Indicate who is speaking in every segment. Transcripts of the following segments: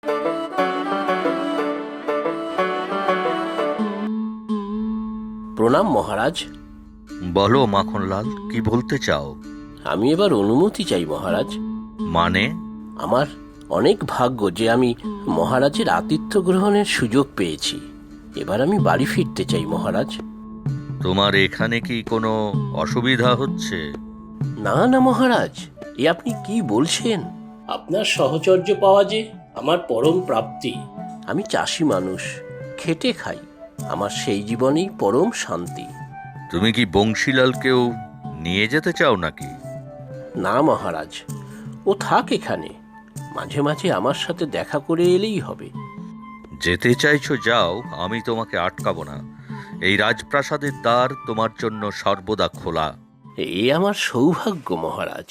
Speaker 1: প্রণাম মহারাজ।
Speaker 2: বলো মাখনলাল, কি বলতে চাও?
Speaker 1: আমি এবার অনুমতি চাই মহারাজ।
Speaker 2: মানে?
Speaker 1: আমার অনেক ভাগ্য যে আমি মহারাজের আতিথ্য গ্রহণের সুযোগ পেয়েছি। এবার আমি বাড়ি ফিরতে চাই মহারাজ।
Speaker 2: তোমার এখানে কি কোনো অসুবিধা হচ্ছে?
Speaker 1: না না মহারাজ, এ আপনি কি বলছেন? আপনার সহচর্য পাওয়া যে আমার পরম প্রাপ্তি। আমি চাষি মানুষ, খেটে খাই। আমার সেই জীবনেই পরম শান্তি।
Speaker 2: তুমি কি বংশীলালকেও নিয়ে যেতে চাও নাকি?
Speaker 1: না মহারাজ, ও থাক এখানে। মাঝে মাঝে আমার সাথে দেখা করে এলেই হবে।
Speaker 2: যেতে চাইছো যাও, আমি তোমাকে আটকাবো না। এই রাজপ্রাসাদের দ্বার তোমার জন্য সর্বদা খোলা।
Speaker 1: এ আমার সৌভাগ্য মহারাজ।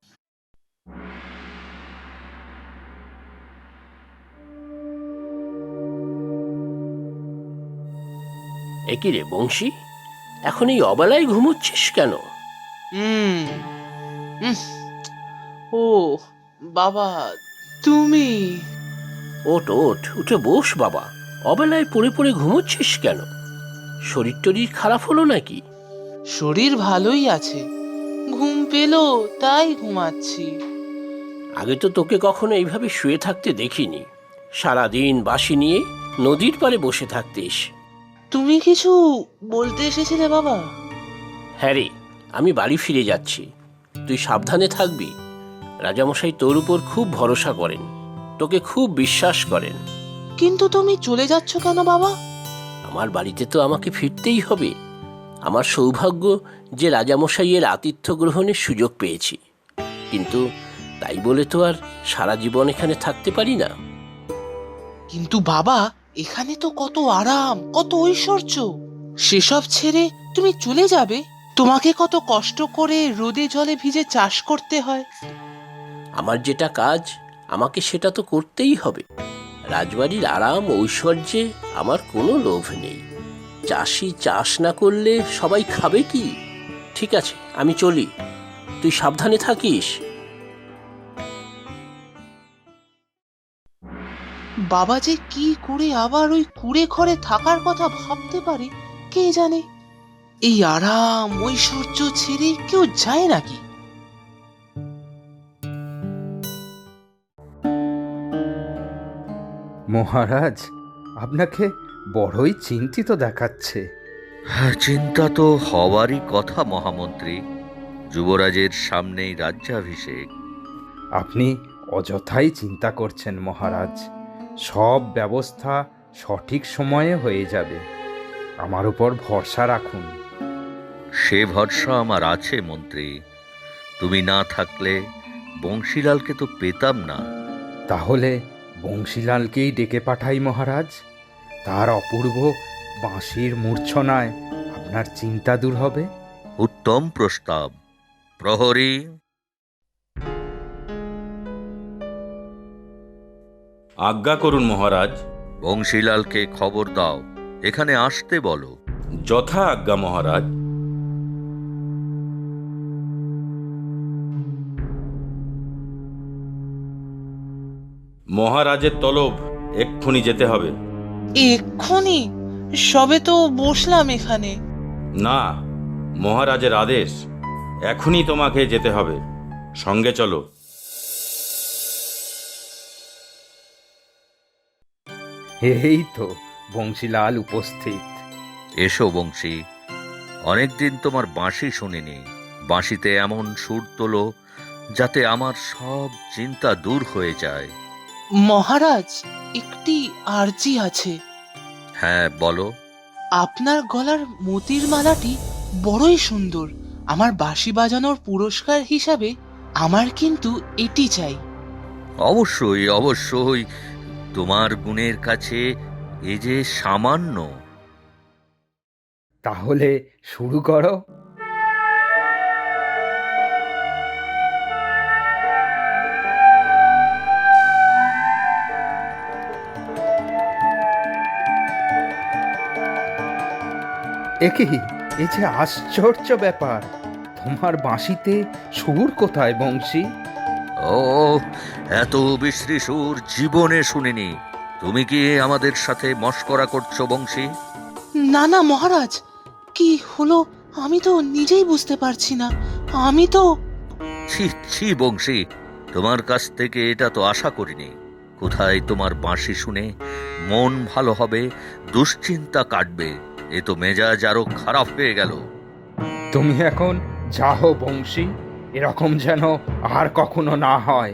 Speaker 1: একই রে বংশী, এখন এই অবেলায় ঘুমোচ্ছিস কেন?
Speaker 3: হুম উম, ও বাবা, তুমি?
Speaker 1: ওঠ ওঠ, উঠে বস বাবা। অবেলায় পড়ে পড়ে ঘুমোচ্ছিস কেন? শরীর টরীর খারাপ হলো নাকি?
Speaker 3: শরীর ভালোই আছে, ঘুম পেলো তাই ঘুমাচ্ছি।
Speaker 1: আগে তো তোকে কখনো এইভাবে শুয়ে থাকতে দেখিনি। সারাদিন বাঁশি নিয়ে নদীর পাড়ে বসে থাকতিস।
Speaker 3: তুমি কিছু বলতে এসেছিলে বাবা?
Speaker 1: হ্যাঁ রে, আমি বাড়ি ফিরে যাচ্ছি। তুই সাবধানে থাকবি। রাজামশাই তোর উপর খুব ভরসা করেন, তোকে খুব বিশ্বাস করেন।
Speaker 3: কিন্তু তুমি চলে যাচ্ছ কেন বাবা?
Speaker 1: আমার বাড়িতে তো আমাকে ফিরতেই হবে। আমার সৌভাগ্য যে রাজামশাইয়ের আতিথ্য গ্রহণের সুযোগ পেয়েছি। কিন্তু তাই বলে তো আর সারা জীবন এখানে থাকতে পারি না।
Speaker 3: কিন্তু বাবা, এখানে তো কত আরাম, কত ঐশ্বর্য। সেসব ছেড়ে তুমি চলে যাবে? তোমাকে কত কষ্ট করে রোদে জলে ভিজে চাষ করতে হয়।
Speaker 1: আমার যেটা কাজ, আমাকে সেটা তো করতেই হবে। রাজবাড়ির আরাম ঐশ্বর্যে আমার কোনো লোভ নেই। চাষি চাষ না করলে সবাই খাবে কি? ঠিক আছে, আমি চলি। তুই সাবধানে থাকিস।
Speaker 3: বাবা যে কি করে আবার ওই কুড়ে ঘরে থাকার কথা ভাবতে পারে কে জানে। এই আরাম ঐশ্বর্য ছেড়ে কেউ যায় নাকি?
Speaker 4: মহারাজ, আপনাকে বড়ই চিন্তিত দেখাচ্ছে।
Speaker 2: হ্যাঁ, চিন্তা তো হওয়ারই কথা মহামন্ত্রী। যুবরাজের সামনেই রাজ্যাভিষেক।
Speaker 4: আপনি অযথাই চিন্তা করছেন মহারাজ। সব ব্যবস্থা সঠিক সময়ে হয়ে যাবে। আমার উপর ভরসা রাখুন।
Speaker 2: সে ভরসা আমার আছে মন্ত্রী। তুমি না থাকলে বংশীলালকে তো পেতাম না।
Speaker 4: তাহলে বংশীলালকেই ডেকে পাঠাই মহারাজ। তার অপূর্ব বাঁশির মূর্ছনায় আপনার চিন্তা দূর হবে।
Speaker 2: উত্তম প্রস্তাব। প্রহরী,
Speaker 5: আজ্ঞা করুন মহারাজ।
Speaker 2: বংশীলালকে খবর দাও, এখানে আসতে বলো।
Speaker 5: যথা আজ্ঞা মহারাজ। মহারাজের তলব, এক্ষুনি যেতে হবে।
Speaker 3: এক্ষুনি? সবে তো বসলাম এখানে।
Speaker 5: না, মহারাজের আদেশ, এখনই তোমাকে যেতে হবে। সঙ্গে চলো।
Speaker 4: এই তো বংশীলাল উপস্থিত।
Speaker 2: এসো বংশী, অনেকদিন তোমার বাঁশি শুনিনি। বাঁশিতে এমন সুর তোলো যাতে আমার সব চিন্তা দূর হয়ে যায়।
Speaker 3: মহারাজ, একটি আর্জি আছে।
Speaker 2: হ্যাঁ, বলো।
Speaker 3: আপনার গলার মতির মালাটি বড়ই সুন্দর। আমার বাঁশি বাজানোর পুরস্কার হিসাবে আমার কিন্তু এটি চাই।
Speaker 2: অবশ্যই অবশ্যই, তোমার গুণের কাছে এ যে সামান্য।
Speaker 4: তাহলে শুরু করো। একি, এ যে আশ্চর্য ব্যাপার! তোমার বাঁশিতে সুর কোথায় বংশী?
Speaker 2: ও, এত বিশ্রী সুর জীবনে শুনিনি। তুমি কি আমাদের সাথে মশকরা করছো বংশী?
Speaker 3: না না মহারাজ, কি হলো আমি তো নিজেই বুঝতে পারছি না। আমি তো
Speaker 2: ছি ছি বংশী, তোমার কাছ থেকে এটা তো আশা করিনি। কোথায় তোমার বাঁশি শুনে মন ভালো হবে, দুশ্চিন্তা কাটবে, এ তো মেজাজ আরো খারাপ হয়ে গেল।
Speaker 4: তুমি এখন যাও বংশী, এরকম যেন আর কখনো না হয়।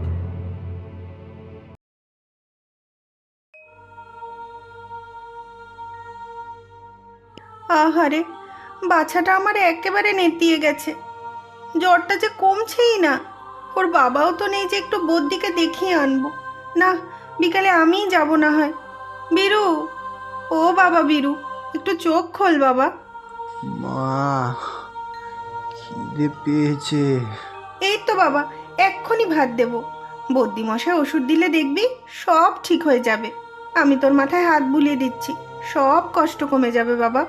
Speaker 6: আহারে, বাচ্চাটা আমার একেবারে নেতিয়ে গেছে। জ্বরটা যে কমছেই না। ওর বাবাও তো নেই যে একটু বদ্যিকে দেখিয়ে আনবো। না, বিকালে আমিই যাব না হয়। বীরু, ও বাবা বীরু, একটু চোখ খোল বাবা।
Speaker 7: মা, খিদে পেয়েছে।
Speaker 6: এই তো বাবা, এক্ষুনি ভাত দেব। বদ্যি মশাই ওষুধ দিলে দেখবি সব ঠিক হয়ে যাবে। আমি তোর মাথায় হাত বুলিয়ে দিচ্ছি, সব কষ্ট কমে যাবে বাবা।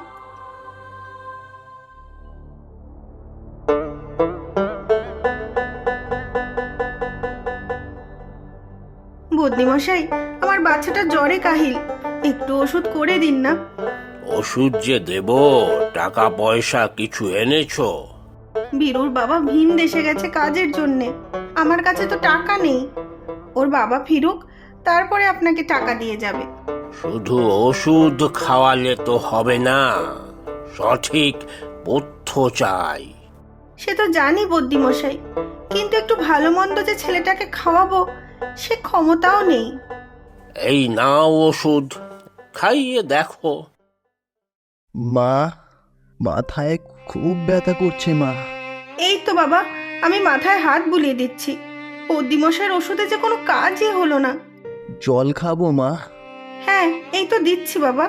Speaker 6: বদ্যি মশাই, আমার বাচ্চাটা জ্বরে কাহিল, একটু ওষুধ করে দিন না।
Speaker 1: ওষুধ যে দেব, টাকা পয়সা কিছু এনেছো?
Speaker 6: বীরুর বাবা ভিন দেশে গেছে কাজের জন্যে, আমার কাছে তো টাকা নেই। ওর বাবা ফিরুক, তারপরে আপনাকে টাকা দিয়ে যাবে।
Speaker 1: শুধু ওষুধ খাওয়ালে তো হবে না, সঠিক পথ্য চাই।
Speaker 6: সে তো জানি বদ্যি মশাই, কিন্তু একটু ভালো মন্দ যে ছেলেটাকে খাওয়াবো সে ক্ষমতাও নেই।
Speaker 1: এই নাও ওষুধ, খাইয়ে দেখো।
Speaker 7: মা, মাথায় খুব ব্যথা করছে মা।
Speaker 6: এই তো বাবা, আমি মাথায় হাত বুলিয়ে দিচ্ছি। বদ্যি মশাইয়ের ওষুধে যে কোনো কাজই হলো না।
Speaker 7: জল খাবো মা?
Speaker 6: হ্যাঁ, এই তো দিচ্ছি বাবা।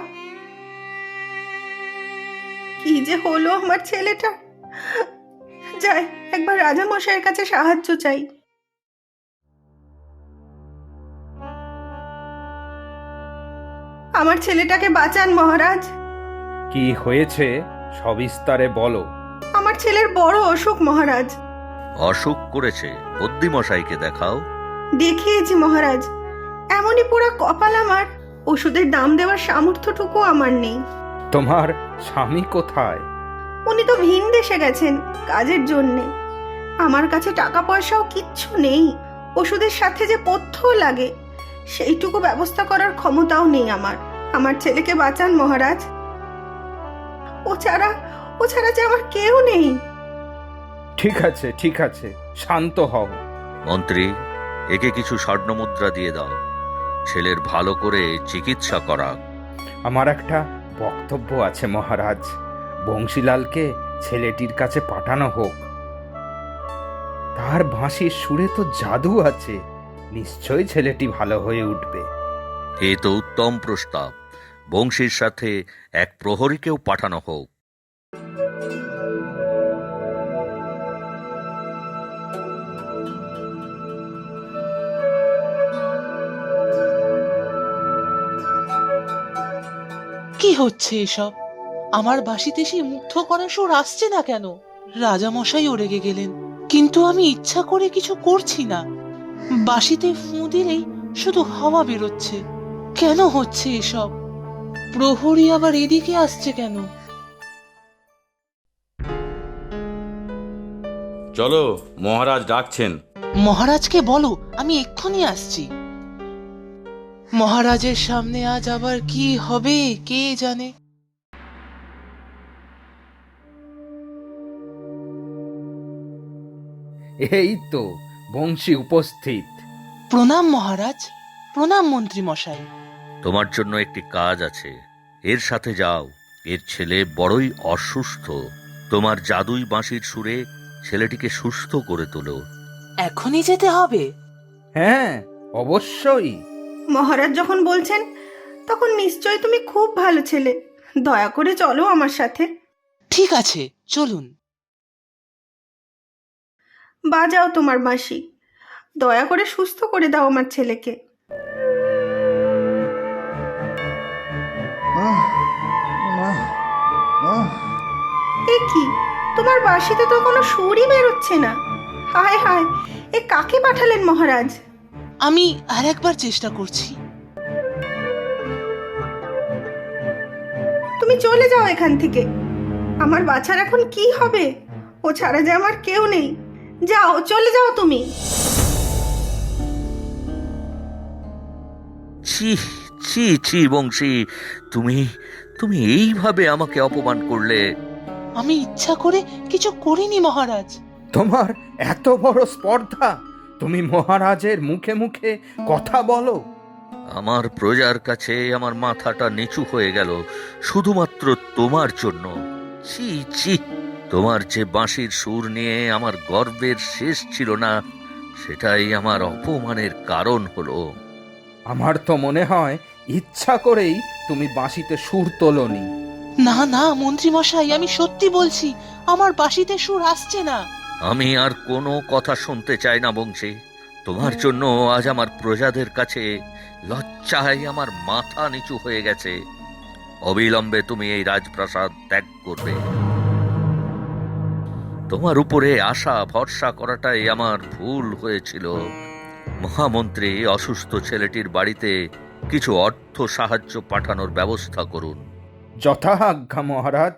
Speaker 6: কি যে হলো আমার ছেলেটা। যাই, একবার রাজা মশাইয়ের কাছে সাহায্য চাই। আমার ছেলেটাকে বাঁচান মহারাজ।
Speaker 4: কি হয়েছে সবিস্তারে বলো।
Speaker 6: আমার ছেলের বড় অসুখ মহারাজ।
Speaker 2: অসুখ করেছে? বুদ্ধিমশাইকে দেখাও।
Speaker 6: দেখিয়েছি মহারাজ, এমনই পুরা কপাল আমার, ওষুধের দাম দেওয়ার সামর্থ্যটুকু আমার নেই।
Speaker 4: তোমার স্বামী কোথায়?
Speaker 6: উনি তো ভিন দেশে গেছেন কাজের জন্যে। আমার কাছে টাকা পয়সাও কিচ্ছু নেই। ওষুধের সাথে যে পথ্য লাগে সেইটুকু ব্যবস্থা করার ক্ষমতাও নেই আমার। আমার ছেলেকে বাঁচান মহারাজ। ও ছাড়া যে আমার কেউ নেই।
Speaker 4: ঠিক আছে ঠিক আছে, শান্ত হও।
Speaker 2: মন্ত্রী, একে কিছু স্বর্ণমুদ্রা দিয়ে দাও, ছেলের ভালো করে চিকিৎসা করা।
Speaker 4: আমার একটা বক্তব্য আছে মহারাজ, বংশীলালকে ছেলেটির কাছে পাঠানো হোক। তার বাঁশির সুরে তো জাদু আছে, নিশ্চয়ই ছেলেটি ভালো হয়ে উঠবে।
Speaker 2: এ তো উত্তম প্রস্তাব। বংশীর সাথে এক প্রহরীকেও পাঠানো হোক।
Speaker 3: কি হচ্ছে এসব? আমার বাঁশিতে সেই মুগ্ধ করা সুর আসছে না কেন? রাজামশাইও রেগে গেলেন, কিন্তু আমি ইচ্ছা করে কিছু করছি না। বাঁশিতে ফুঁ দিলেই শুধু হাওয়া বেরোচ্ছে। কেন হচ্ছে এসব? প্রহরী আবার এদিকে আসছে কেন?
Speaker 5: চলো, মহারাজ ডাকছেন।
Speaker 3: মহারাজকে বলো আমি এক্ষুনি আসছি। মহারাজের সামনে আজ আবার কি হবে কে জানে।
Speaker 4: এই তো বংশী উপস্থিত।
Speaker 3: প্রণাম মহারাজ, প্রণাম মন্ত্রী মশাই।
Speaker 2: তোমার জন্য একটি কাজ আছে, এর সাথে যাও। এর ছেলে বড়ই অসুস্থ, তোমার জাদুই বাঁশির সুরে ছেলেটিকে সুস্থ করে তোলো।
Speaker 3: এখনই যেতে হবে?
Speaker 4: হ্যাঁ, অবশ্যই।
Speaker 6: মহারাজ যখন বলছেন তখন নিশ্চয়ই তুমি খুব ভালো ছেলে। দয়া করে চলো আমার সাথে।
Speaker 3: ঠিক আছে, চলুন।
Speaker 6: বাজাও তোমার বাঁশি, দয়া করে সুস্থ করে দাও আমার ছেলেকে।
Speaker 7: আহ, আহ, আহ।
Speaker 6: এ কি, তোমার বাঁশিতে তো কোনো সুরই বেরোচ্ছে না। হায় হায়, এ কাকে পাঠালেন মহারাজ?
Speaker 3: আমি আর একবার চেষ্টা করছি।
Speaker 6: তুমি চলে যাও এখান থেকে। আমার বাছার এখন কি হবে? ও ছাড়া যে আমার কেউ নেই। যাও, চলে যাও তুমি।
Speaker 2: ছি ছি ছি বংশী, তুমি তুমি এইভাবে আমাকে অপমান করলে।
Speaker 3: আমি ইচ্ছা করে কিছু করিনি মহারাজ।
Speaker 4: তোমার এত বড় স্পর্ধা, তুমি মহারাজের মুখে মুখে কথা বলো?
Speaker 2: আমার প্রজার কাছে আমার মাথাটা নিচু হয়ে গেল শুধুমাত্র তোমার জন্য। ছি ছি, তোমার যে বাঁশির সুর নিয়ে আমার গর্বের শেষ ছিল না, সেটাই আমার অপমানের কারণ হলো।
Speaker 4: আমার তো মনে হয় ইচ্ছা করেই তুমি বাঁশিতে সুর তোলনি।
Speaker 3: না না মন্ত্রী মশাই, আমি সত্যি বলছি, আমার বাঁশিতে সুর আসছে না।
Speaker 2: আমি আর কোনো কথা শুনতে চাই না বংশী। তোমার জন্য আজ আমার প্রজাদের কাছে লজ্জায় আমার মাথা নিচু হয়ে গেছে। অবিলম্বে তুমি এই রাজপ্রাসাদ ত্যাগ করবে। তোমার উপরে আশা ভরসা করাটাই আমার ভুল হয়েছিল। মহামন্ত্রী অসুস্থ ছেলেটির বাড়িতে কিছু অর্থ সাহায্য পাঠানোর ব্যবস্থা করুন।
Speaker 4: যথাজ্ঞা মহারাজ।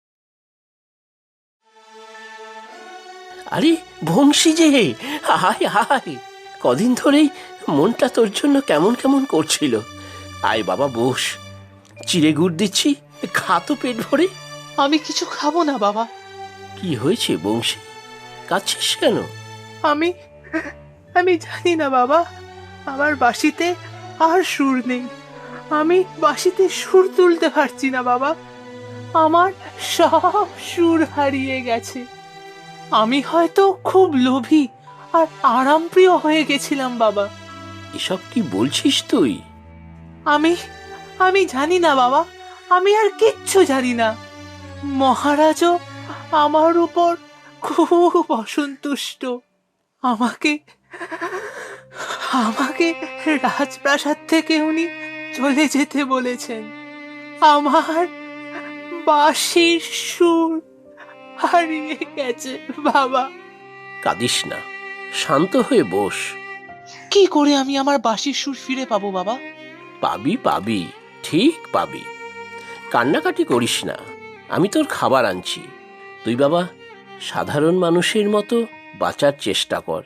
Speaker 1: আরে বংশী যে, হায় হায়, কদিন ধরেই মনটা তোর জন্য কেমন কেমন করছিল। আয় বাবা বস, চিড়ে গুড় দিচ্ছি, খা তো পেট ভরে।
Speaker 3: আমি কিছু খাবো না বাবা।
Speaker 1: কি হয়েছে বংশী, কাঁদছিস কেন?
Speaker 3: আমি আমি জানি না বাবা, আমার বাঁশিতে আর সুর নেই। আমি বাঁশিতে সুর তুলতে পারছি না বাবা। আমার সব সুর হারিয়ে গেছে। আমি হয়তো খুব লোভী আর আরামপ্রিয় হয়ে গেছিলাম বাবা।
Speaker 1: এসব কি বলছিস তুই?
Speaker 3: আমি আমি জানি না বাবা, আমি আর কিচ্ছু জানি না। মহারাজও আমার উপর খুব অসন্তুষ্ট। আমাকে আমাকে রাজপ্রাসাদ থেকে উনি চলে যেতে বলেছেন। আমার বাঁশির সুর হারিয়ে গেছে বাবা।
Speaker 1: কাঁদিস না, শান্ত হয়ে বস।
Speaker 3: কি করে আমি আমার বাঁশির সুর ফিরে পাবো বাবা?
Speaker 1: পাবি পাবি, ঠিক পাবি। কান্নাকাটি করিস না, আমি তোর খাবার আনছি। তুই বাবা সাধারণ মানুষের মতো বাঁচার চেষ্টা কর।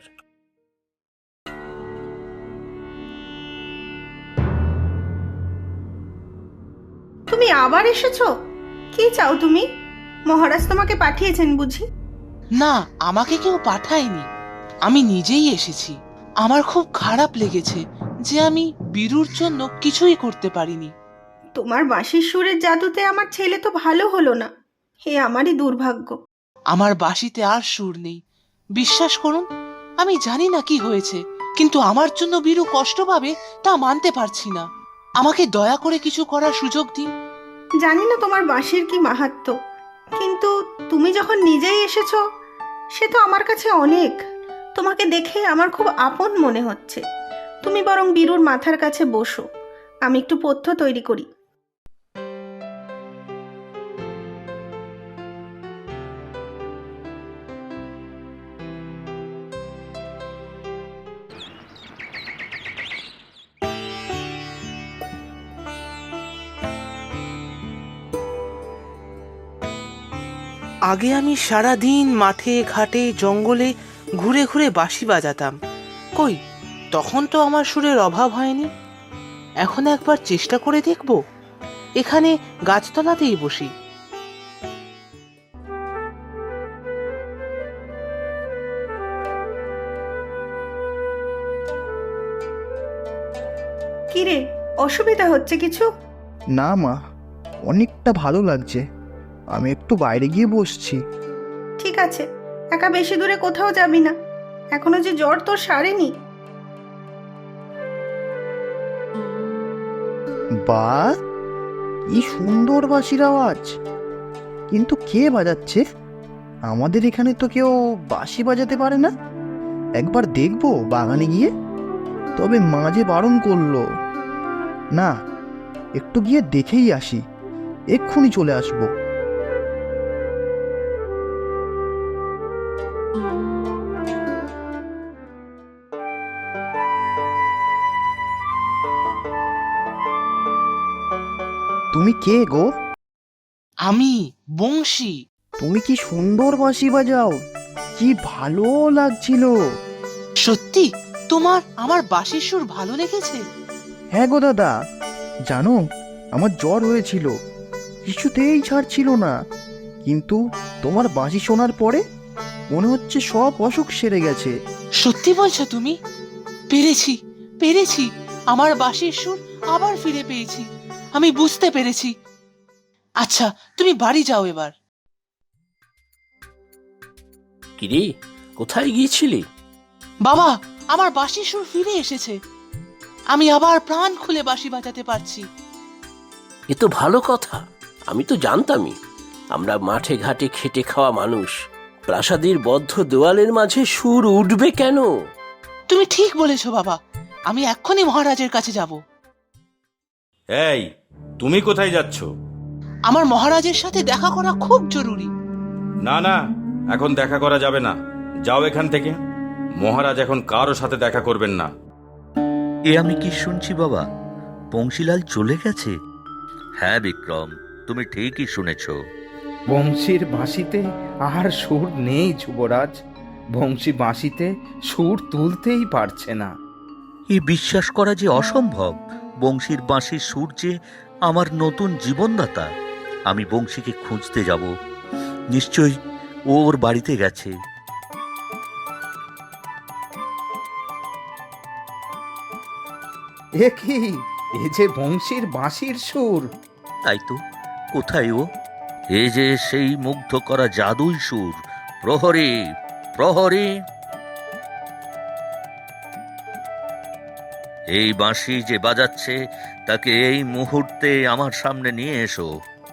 Speaker 6: তুমি আবার এসেছো? কি চাও তুমি? মহারাজ তোমাকে পাঠিয়েছেন বুঝি?
Speaker 3: না, আমাকে কেউ পাঠায়নি, আমি নিজেই এসেছি। আমার খুব খারাপ লেগেছে যে আমি বীরুর জন্য কিছুই করতে পারিনি।
Speaker 6: তোমার বাঁশির সুরের জাদুতে আমার ছেলে তো ভালো হলো না। হে আমারই দুর্ভাগ্য।
Speaker 3: আমার বাঁশিতে আর সুর নেই। বিশ্বাস করুন, আমি জানি না কি হয়েছে, কিন্তু আমার জন্য বীরু কষ্ট পাবে তা মানতে পারছি না। আমাকে দয়া করে কিছু করার সুযোগ দিন।
Speaker 6: জানি না তোমার বাঁশির কি মাহাত্ম্য, কিন্তু তুমি যখন নিজেই এসেছো, সে তো আমার কাছে অনেক। তোমাকে দেখে আমার খুব আপন মনে হচ্ছে। তুমি বরং বীরুর মাথার কাছে বসো, আমি একটু পথ্য তৈরি করি।
Speaker 3: আগে আমি সারা দিন মাঠে ঘাটে জঙ্গলে ঘুরে ঘুরে বাঁশি বাজাতাম। কই, তখন তো আমার সুরের অভাব হয়নি। এখন একবার চেষ্টা করে দেখব, এখানে গাছতলাতেই বসি।
Speaker 6: কি রে, অসুবিধা হচ্ছে কিছু?
Speaker 7: না মা, অনেকটা ভালো লাগছে। আমি একটু বাইরে গিয়ে বসছি।
Speaker 6: ঠিক আছে, একা বেশি দূরে কোথাও যাবি না। এখনো যে জ্বর তোর সারেনি।
Speaker 7: বা, কি সুন্দর বাঁশির আওয়াজ! কিন্তু কে বাজাচ্ছে? আমাদের এখানে তো কেউ বাঁশি বাজাতে পারে না। একবার দেখবো বাগানে গিয়ে। তবে মা যে বারণ করলো। না, একটু গিয়ে দেখেই আসি, এক্ষুনি চলে আসবো। তুমি কে গো?
Speaker 3: আমি বংশী।
Speaker 7: তুমি কি সুন্দর বাঁশি বাজাও, কি ভালো লাগছিল।
Speaker 3: সত্যি তোমার আমার বাঁশির সুর ভালো লেগেছে?
Speaker 7: হ্যাঁ গো দাদা, জানো আমার জ্বর হয়েছিল, কিছুতেই ছাড়ছিল না, কিন্তু তোমার বাঁশি শোনার পরে মনে হচ্ছে সব অসুখ সেরে গেছে।
Speaker 3: সত্যি বলছো তুমি? পেরেছি, পেরেছি, আমার বাঁশির সুর আবার ফিরে পেয়েছি। আমি বুঝতে পেরেছি। আচ্ছা, তুমি বাড়ি যাও এবার।
Speaker 1: কিরে, কোথায় গিয়েছিলি?
Speaker 3: বাবা, আমার বাঁশির সুর ফিরে এসেছে। আমি আবার প্রাণ খুলে বাঁশি বাজাতে পারছি।
Speaker 1: এ তো ভালো কথা। আমি তো জানতামই, আমরা মাঠে ঘাটে খেটে খাওয়া মানুষ, প্রাসাদের বদ্ধ দেওয়ালের মাঝে সুর উঠবে কেন?
Speaker 3: তুমি ঠিক বলেছো বাবা, আমি এক্ষুনি মহারাজের কাছে যাব।
Speaker 5: এই, তুমি কোথায় যাচ্ছ?
Speaker 3: আমার মহারাজের সাথে দেখা করা খুব জরুরি।
Speaker 5: না না, এখন দেখা করা যাবে না, যাও এখান থেকে। মহারাজ এখন কারো সাথে দেখা করবেন না।
Speaker 2: এ আমি কি শুনছি বাবা, বংশীলাল চলে গেছে? হ্যাঁ বিক্রম, তুমি ঠিকই শুনেছ।
Speaker 4: বংশীর বাঁশিতে আর সুর নেই যুবরাজ। বংশী বাঁশিতে সুর তুলতেই পারছে না।
Speaker 2: এ বিশ্বাস করা যে অসম্ভব। বংশীর বাঁশির সুর যে আমার নতুন জীবনদাতা। আমি বংশীকে খুঁজতে যাব, নিশ্চয়ই ও ওর বাড়িতে গেছে।
Speaker 4: এ কি, এ যে বংশীর বাঁশির সুর।
Speaker 2: তাই তো, কোথায় ও? এ যে সেই মুগ্ধ করা জাদুই সুর। প্রহরী, প্রহরী! এই বাঁশি যে বাজাচ্ছে তাকে এই মুহূর্তে আমার সামনে নিয়ে এসো।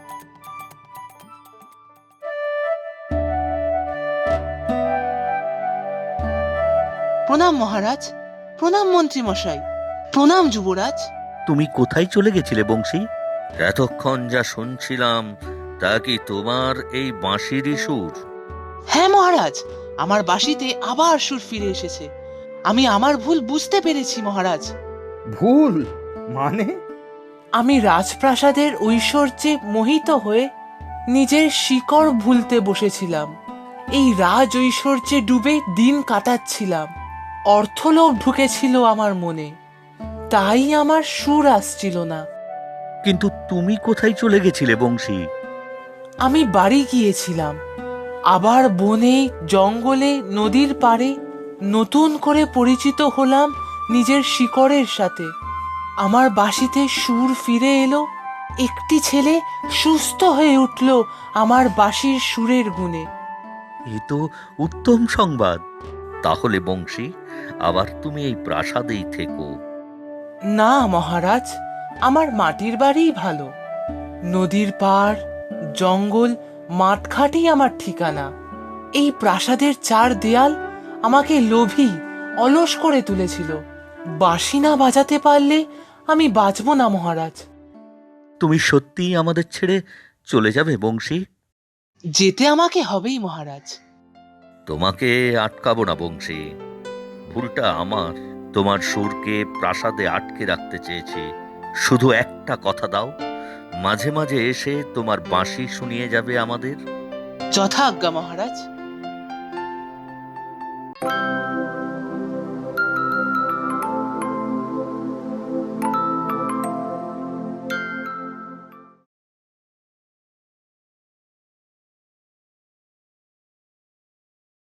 Speaker 3: প্রণাম মহারাজ, প্রণাম মন্ত্রী মশাই, প্রণাম যুবরাজ।
Speaker 2: তুমি কোথায় চলে গেছিলে বংশী? এতক্ষণ যা শুনছিলাম তা কি তোমার এই বাঁশিরই সুর?
Speaker 3: হ্যাঁ মহারাজ, আমার বাঁশিতে আবার সুর ফিরে এসেছে। আমি আমার ভুল বুঝতে পেরেছি মহারাজ।
Speaker 4: ভুল মানে?
Speaker 3: আমি রাজপ্রাসাদের ঐশ্বর্যে মোহিত হয়ে নিজের শিকড় ভুলতে বসেছিলাম। এই রাজ ঐশ্বর্যে ডুবে দিন কাটাচ্ছিলাম। অর্থলোভ ঢুকেছিল আমার মনে, তাই আমার সুর আসছিল না।
Speaker 2: কিন্তু তুমি কোথায় চলে গেছিলে বংশী?
Speaker 3: আমি বাড়ি গিয়েছিলাম, আবার বনে, জঙ্গলে, নদীর পাড়ে নতুন করে পরিচিত হলাম নিজের শিকড়ের সাথে। আমার বাঁশিতে সুর ফিরে এলো, একটি ছেলে সুস্থ হয়ে উঠল আমার বাঁশির সুরের গুণে।
Speaker 2: এ তো উত্তম সংবাদ। তাহলে বংশী, আবার তুমি এই প্রাসাদেই থেকো।
Speaker 3: না মহারাজ, আমার মাটির বাড়িই ভালো। নদীর পাড়, জঙ্গল, মাঠঘাটই আমার ঠিকানা। এই প্রাসাদের চার দেয়াল আমাকে লোভী, অলস করে তুলেছিল। বাঁশি না বাজাতে পারলে আমি বাঁচব না মহারাজ।
Speaker 2: তুমি সত্যিই আমাদের ছেড়ে চলে যাবে বংশী?
Speaker 3: যেতে আমাকে হবেই মহারাজ।
Speaker 2: তোমাকে আটকাবো না বংশী, ভুলটা আমার। তোমার সুরকে প্রাসাদে আটকে রাখতে চেয়েছি। শুধু একটা কথা দাও, মাঝে মাঝে এসে তোমার বাঁশি শুনিয়ে যাবে আমাদের।
Speaker 3: যথা আজ্ঞা মহারাজ।